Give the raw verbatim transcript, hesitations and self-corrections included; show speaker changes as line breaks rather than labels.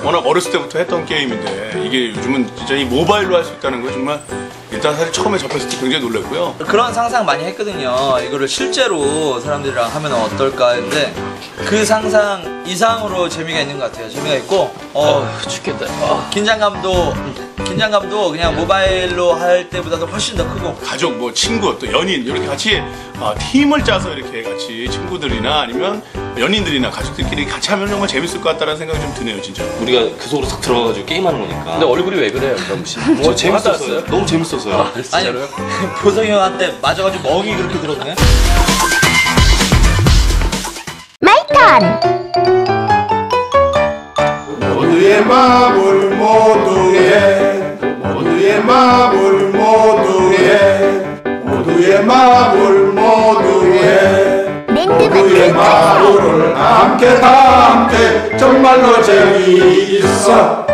워낙 어렸을 때부터 했던 게임인데 이게 요즘은 진짜 이 모바일로 할 수 있다는 거 정말 일단 사실 처음에 접했을 때 굉장히 놀랐고요.
그런 상상 많이 했거든요. 이거를 실제로 사람들이랑 하면 어떨까 했는데 그 상상 이상으로 재미가 있는 것 같아요. 재미가 있고 어,
아, 죽겠다.
어, 긴장감도 긴장감도 그냥 모바일로 할 때보다도 훨씬 더 크고
가족, 뭐 친구, 또 연인 이렇게 같이 어, 팀을 짜서 이렇게 같이 친구들이나 아니면 연인들이나 가족들끼리 같이 하면 정말 재밌을 것 같다는 생각이 좀 드네요, 진짜.
우리가 그 속으로 싹 들어가가지고 게임하는 거니까.
근데 얼굴이 왜 그래요, 그럼 씨?
뭐 재밌었어요. 너무 재밌었어요.
아,
아니
진짜로요?
보성이 형한테 맞아가지고 멍이 그렇게 들었네.
마이턴
모두의 마음을 모두의 모두의 마음을 모두의 모두의 마음을 모두의 모두의 마음을 함께 다 함께 정말로 재미있어